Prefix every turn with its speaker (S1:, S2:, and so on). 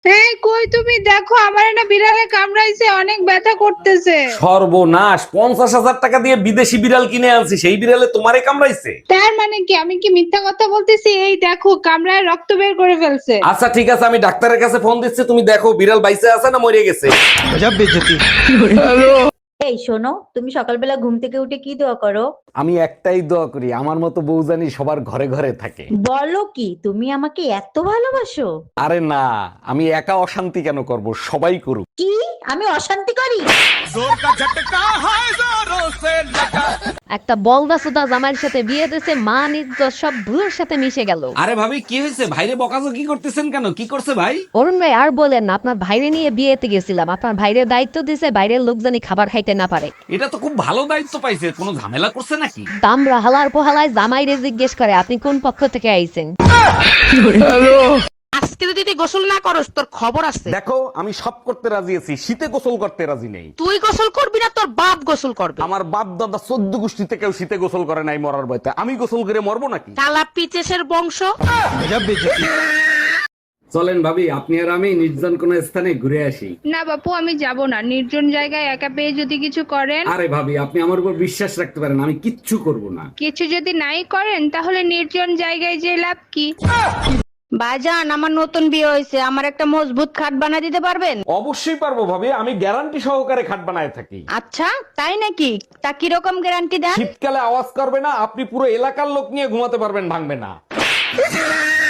S1: এই কই তুমি দেখো আমার না বিড়ালে কামড়াইছে, অনেক ব্যথা করতেছে।
S2: সর্বনাশ, 50,000 টাকা দিয়ে বিদেশি বিড়াল কিনে আনছি, সেই বিড়ালে তোমারে কামড়াইছে?
S1: তার মানে কি, আমি কি মিথ্যা কথা বলতেছি? এই দেখো কামড়ায় রক্ত বের করে ফেলছে।
S2: আচ্ছা ঠিক আছে, আমি ডাক্তারের কাছে ফোন দিচ্ছি, তুমি দেখো বিড়াল বাইসে আছে না মরে গেছে।
S3: এই শোনো, তুমি সকালবেলা ঘুম থেকে উঠে কি দোয়া করো?
S2: আমি একটাই দোয়া করি, আমার মতো বউ জানি সবার ঘরে ঘরে থাকে।
S3: বলো কি, তুমি আমাকে এত ভালোবাসো?
S2: আরে না, আমি একা অশান্তি কেন করব, সবাই করুক।
S3: কি? আমি অশান্তি করি?
S4: একটা বলদা সুদা জামাইয়ের সাথে বিয়ে দিয়েছে, মান ইজ্জত সব ভুলের সাথে মিশে গেল।
S2: আরে ভাবি কি হয়েছে, ভাইরে বকাজকি করতেছেন কেন? কি করছে ভাই?
S4: অরুণ ভাই আর বলেন না, আপনার ভাইরে নিয়ে বিয়েতে গেছিলাম, আপনার ভাইরের দায়িত্ব দিয়েছে বাইরের লোক জানি খাবার খাইতে না পারে।
S2: এটা তো খুব ভালো দায়িত্ব পাইছে, কোনো ঝামেলা করছে নাকি?
S4: দামরা হালার পোহালায় জামাইরে জিজ্ঞেস করে আপনি কোন পক্ষ থেকে আইছেন।
S5: আজকে যদি তুই গোসল না করস তোর খবর আছে।
S2: দেখো আমি সব করতে রাজি আছি, শীতে গোসল করতে রাজি নেই।
S5: তুই গোসল করবি না, তোর বাপ গোসল করবে।
S2: আমার বাপ দাদা 14 গোষ্ঠীতে কেউ শীতে গোসল করে নাই মরার ভয়তে, আমি গোসল করে মরবো নাকি?
S5: কালা পিচেসের বংশ।
S2: চলেন ভাবি, আপনি আর আমি নির্জন কোন স্থানে ঘুরে আসি।
S1: না বাপু, আমি যাব না। নির্জন জায়গায় একা পেয়ে যদি কিছু করেন।
S2: আরে ভাবি, আপনি আমার উপর বিশ্বাস রাখতে পারেন, আমি কিচ্ছু করব না।
S1: কিছু যদি নাই করেন তাহলে নির্জন জায়গায় যে লাভ কি?
S5: ভাইজান, আমার নতুন বিয়ে হয়েছে, আমার একটা মজবুত খাট বানিয়ে দিতে পারবেন?
S2: অবশ্যই পারবো ভাবি, আমি গ্যারান্টি সহকারে খাট বানায় থাকি।
S5: আচ্ছা তাই নাকি? তা কিরকম গ্যারান্টি দেন?
S2: শীতকালে আওয়াজ করবে না, আপনি পুরো এলাকার লোক নিয়ে ঘুমাতে পারবেন, ভাঙবে না।